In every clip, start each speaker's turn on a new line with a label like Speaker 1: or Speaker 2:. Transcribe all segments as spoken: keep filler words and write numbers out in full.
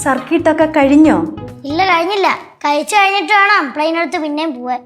Speaker 1: സർക്കിട്ടൊക്കെ കഴിഞ്ഞോ?
Speaker 2: ഇല്ല, കഴിഞ്ഞില്ല. കഴിച്ചു കഴിഞ്ഞിട്ട് വേണം പ്ലെയിൻ എടുത്ത് പിന്നെയും പോവാൻ.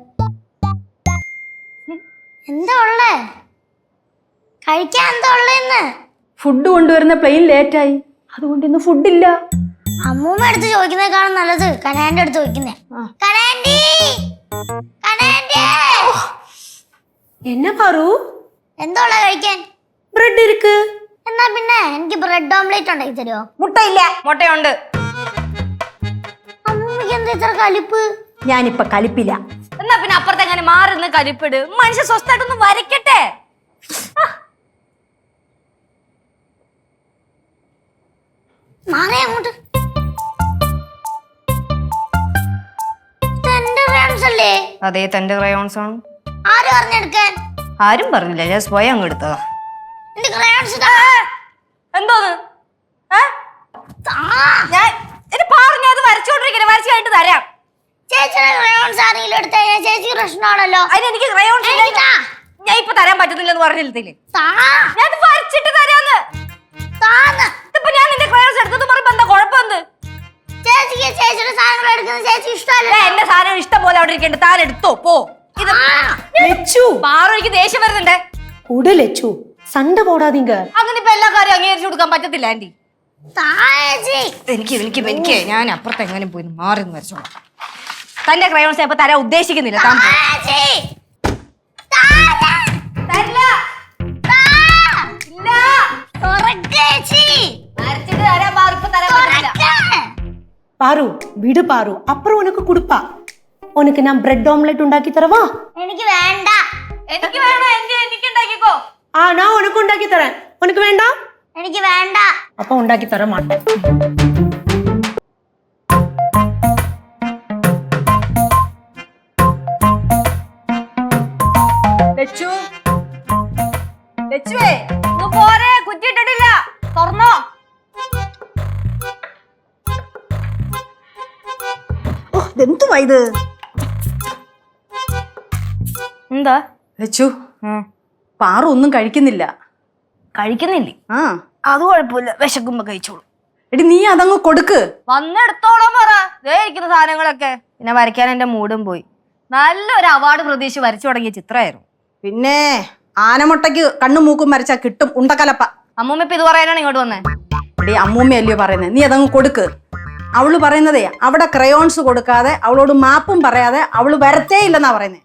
Speaker 2: എന്താ ഉള്ളേ? കഴിക്കാൻ എന്താ ഉള്ളേന്ന്?
Speaker 1: ഫുഡ് കൊണ്ടുവരുന്ന പ്ലെയിൻ ലേറ്റായി, അതുകൊണ്ട് ഇന്ന് ഫുഡില്ല.
Speaker 2: അമ്മൂമ്മ അടുത്ത് ചോദിക്കുന്നേക്കാളും നല്ലത് കനാന്റെ അടുത്ത് ചോദിക്കുന്നേ. കനാൻഡി, കനാൻഡി.
Speaker 1: എന്നാ പാറു?
Speaker 2: എന്താ ഉള്ള കഴിക്കാൻ?
Speaker 1: ബ്രെഡ് ഇരിക്ക്.
Speaker 2: എന്നാ പിന്നെ എനിക്ക് ബ്രെഡ് ഓംലേറ്റ് ഉണ്ടാക്കി തരുമോ?
Speaker 1: മുട്ടയില്ല. മുട്ടയുണ്ട്.
Speaker 2: അമ്മൂമ്മക്ക് എന്താ ഇത്ര കലിപ്പ്?
Speaker 1: ഞാനിപ്പൊ കലിപ്പില്ല.
Speaker 3: എന്നാ പിന്നെ അപ്പുറത്തെ എങ്ങനെ മാറുന്ന കലിപ്പിട്. മനുഷ്യ സ്വസ്ഥായിട്ടൊന്ന് വരയ്ക്കട്ടെ.
Speaker 2: മാറേ അങ്ങോട്ട്. തന്റെ ക്രയോൺസ് അല്ലേ?
Speaker 3: അതെ, തന്റെ ക്രയോൺസ് ആണ്.
Speaker 2: ആര് പറഞ്ഞെടുക്കാൻ?
Speaker 3: ആരും പറഞ്ഞില്ല, ഞാൻ സ്വയം അങ്ങ് എടുത്തതാ.
Speaker 2: എന്റെ ക്രയോൺസ്
Speaker 3: എന്തോന്ന്? ഞാൻ പറഞ്ഞത് വരച്ചോണ്ടിരിക്കണേ, വരച്ചു കഴിഞ്ഞിട്ട് തരാം.
Speaker 2: ചേച്ചിയുടെ ക്രയോൺസ് ആരെങ്കിലും എടുത്തു കഴിഞ്ഞാൽ ചേച്ചിക്ക് പ്രശ്നമാണല്ലോ.
Speaker 3: അതിന് എനിക്ക് ക്രയോൺസ് ഞാൻ ഇപ്പൊ തരാൻ പറ്റത്തില്ലെന്ന് പറഞ്ഞില്ലേ? ഞാൻ വരച്ചിട്ട് തരാന്ന്. ഇപ്പൊ ഞാൻ നിന്റെ ക്രയോൺസ് എടുത്തെന്ന് പറയുമ്പോ എന്താ കുഴപ്പമെന്ത്?
Speaker 2: ചേച്ചിക്ക് ചേച്ചിയുടെ സാധനങ്ങൾ എടുക്കുന്നത് ചേച്ചി ഇഷ്ടമല്ല.
Speaker 3: എന്റെ സാധനം ഇഷ്ടം പോലെ അവിടെ ഇരിക്കണ്ട, താൻ എടുത്തോ പോ. പാറു, എനിക്ക് ദേഷ്യം വരുന്നുണ്ടേ.
Speaker 1: ഉടലച്ചു സണ്ട പോടാതീങ്ക.
Speaker 3: അങ്ങനെ ഇപ്പൊ എല്ലാ കാര്യം അംഗീകരിച്ചു കൊടുക്കാൻ പറ്റത്തില്ല ആന്റി.
Speaker 2: എനിക്ക്
Speaker 3: എനിക്ക് എനിക്ക് ഞാൻ അപ്പുറത്ത് എങ്ങനെ പോയി മാറി വരച്ചോളാം. തന്റെ ക്രയോൺസ് ഇപ്പൊ തരാൻ ഉദ്ദേശിക്കുന്നില്ല.
Speaker 1: പാറു വിട് പാറു, അപ്പുറം ഉനക്ക് കൊടുപ്പാ. ഉനക്ക് ഞാൻ ബ്രെഡ് ഓംലെറ്റ് ഉണ്ടാക്കി തരവാ?
Speaker 2: എനിക്ക് വേണ്ട.
Speaker 3: എനിക്ക് വേണം, എനിക്ക് ഉണ്ടാക്കിക്കോ.
Speaker 1: ആ, ഞാൻ ഉനക്ക് ഉണ്ടാക്കി തരാൻ. ഉനക്ക് വേണ്ട?
Speaker 2: എനിക്ക് വേണ്ട.
Speaker 1: അപ്പൊ ഉണ്ടാക്കി തരാൻ മാട്ടേ.
Speaker 3: പോരെ, കുറ്റിയിട്ടിട്ടില്ല, തുറന്നോ.
Speaker 1: എന്തുവാ ഇത്?
Speaker 3: എന്താ
Speaker 1: ലച്ചു, പാറു ഒന്നും കഴിക്കുന്നില്ല.
Speaker 3: കഴിക്കുന്നില്ലേ?
Speaker 1: ആ,
Speaker 3: അത് കുഴപ്പമില്ല, വിശക്കുമ്പോ കഴിച്ചോളൂ.
Speaker 1: എടി നീ അതങ്ങ് കൊടുക്ക്.
Speaker 3: വന്നെടുത്തോളാം പറ. ദേ ഇരിക്കുന്ന സാധനങ്ങളൊക്കെ. പിന്നെ വരയ്ക്കാൻ എന്റെ മൂടും പോയി. നല്ലൊരു അവാർഡ് പ്രതീക്ഷിച്ച് വരച്ചു തുടങ്ങിയ ചിത്രമായിരുന്നു.
Speaker 1: പിന്നെ ആനമുട്ടയ്ക്ക് കണ്ണും മൂക്കും വരച്ചാ കിട്ടും ഉണ്ടക്കലപ്പ.
Speaker 3: അമ്മൂമ്മ ഇപ്പൊ ഇത് പറയാനാണ് ഇങ്ങോട്ട് വന്നേ.
Speaker 1: എടി അമ്മൂമ്മയല്ലയോ പറയുന്നത്, നീ അതങ്ങ് കൊടുക്ക്. അവള് പറയുന്നതേ അവിടെ ക്രയോൺസ് കൊടുക്കാതെ അവളോട് മാപ്പും പറയാതെ അവള് വരത്തേ ഇല്ലെന്നാ പറയുന്നേ.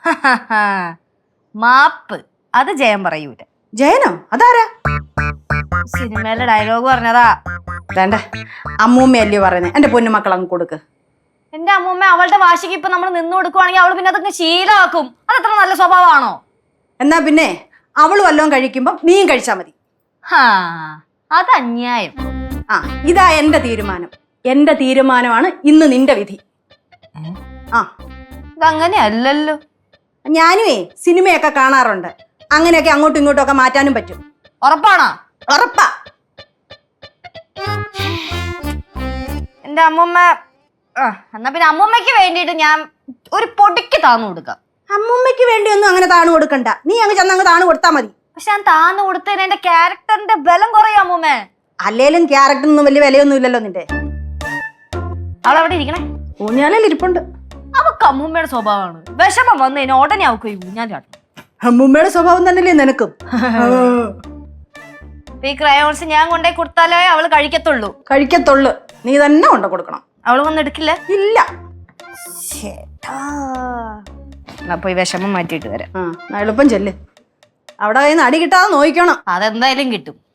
Speaker 3: മാപ്പ് അത് ജയം പറയൂല.
Speaker 1: ജയനോ? അതാരാ?
Speaker 3: സിനിമയിലെ ഡയലോഗ് പറഞ്ഞതാ.
Speaker 1: വേണ്ട, അമ്മൂമ്മയല്ലയോ പറയുന്നേ. എന്റെ പൊന്നുമക്കൾ അങ്ങ് കൊടുക്ക്.
Speaker 3: എന്റെ അമ്മൂമ്മ അവളുടെ വാശിക്ക് ഇപ്പൊ നമ്മൾ നിന്ന് കൊടുക്കുവാണെങ്കിൽ അവള് പിന്നെ അതൊക്കെ ശീലമാക്കും. അതത്ര നല്ല സ്വഭാവമാണോ?
Speaker 1: എന്നാ പിന്നെ അവള് വല്ലതും കഴിക്കുമ്പോ നീയും കഴിച്ചാ മതി.
Speaker 3: ഹാ, അത് അന്യായം.
Speaker 1: ആ, ഇതാ എന്റെ തീരുമാനം. എന്റെ തീരുമാനമാണ് ഇന്ന് നിന്റെ വിധി. ആ,
Speaker 3: ഇതങ്ങനെ അല്ലല്ലോ.
Speaker 1: ഞാനുവേ സിനിമയൊക്കെ കാണാറുണ്ട്. അങ്ങനെയൊക്കെ അങ്ങോട്ടും ഇങ്ങോട്ടും ഒക്കെ മാറ്റാനും പറ്റും.
Speaker 3: ഉറപ്പാണോ?
Speaker 1: ഉറപ്പാ.
Speaker 3: എന്റെ അമ്മൂമ്മ എന്നാ പിന്നെ അമ്മൂമ്മയ്ക്ക് വേണ്ടിയിട്ട് ഞാൻ ഒരു പൊടിക്ക് താന്നു കൊടുക്കാം.
Speaker 1: അമ്മൂമ്മയ്ക്ക് വേണ്ടിയൊന്നും അങ്ങനെ താണു കൊടുക്കണ്ട. നീ അങ്ങ് ചെന്ന് അങ്ങ് താണു കൊടുത്താ മതി.
Speaker 3: പക്ഷെ ഞാൻ താന്നു കൊടുത്തതിന് എന്റെ ക്യാരക്ടറിന്റെ ബലം കുറയും അമ്മൂമ്മേ.
Speaker 1: അല്ലേലും ക്യാരക്ടറിനൊന്നും വലിയ വിലയൊന്നും ഇല്ലല്ലോ നിന്റെ.
Speaker 3: അവളവിടെ ഇരിക്കണേ.
Speaker 1: ഊഞ്ഞാലിൽ ഇരിപ്പുണ്ട്.
Speaker 3: അവക്ക് അമ്മൂമ്മയുടെ സ്വഭാവമാണ്. വിഷമം വന്നു കഴിഞ്ഞാൽ ഉടനെ അവക്ക് ഊഞ്ഞാലാട്ടും.
Speaker 1: അമ്മൂമ്മയുടെ സ്വഭാവം തന്നെയല്ലേ നിനക്കും?
Speaker 3: ഈ ക്രയോൺസ് ഞാൻ കൊണ്ടേ കൊടുത്താലേ അവള് കഴിക്കത്തുള്ളൂ.
Speaker 1: കഴിക്കത്തുള്ളു. നീ തന്നെ കൊണ്ട കൊടുക്കണം.
Speaker 3: അവള് വന്ന് എടുക്കില്ല.
Speaker 1: ഇല്ല.
Speaker 3: അപ്പൊ ഈ വിഷമം മാറ്റിയിട്ട് വരാം.
Speaker 1: ആ, എളുപ്പം ചെല്ല്. അവിടെ കയ്യിൽ നിന്ന് അടി കിട്ടാതെ നോക്കണം.
Speaker 3: അതെന്തായാലും കിട്ടും.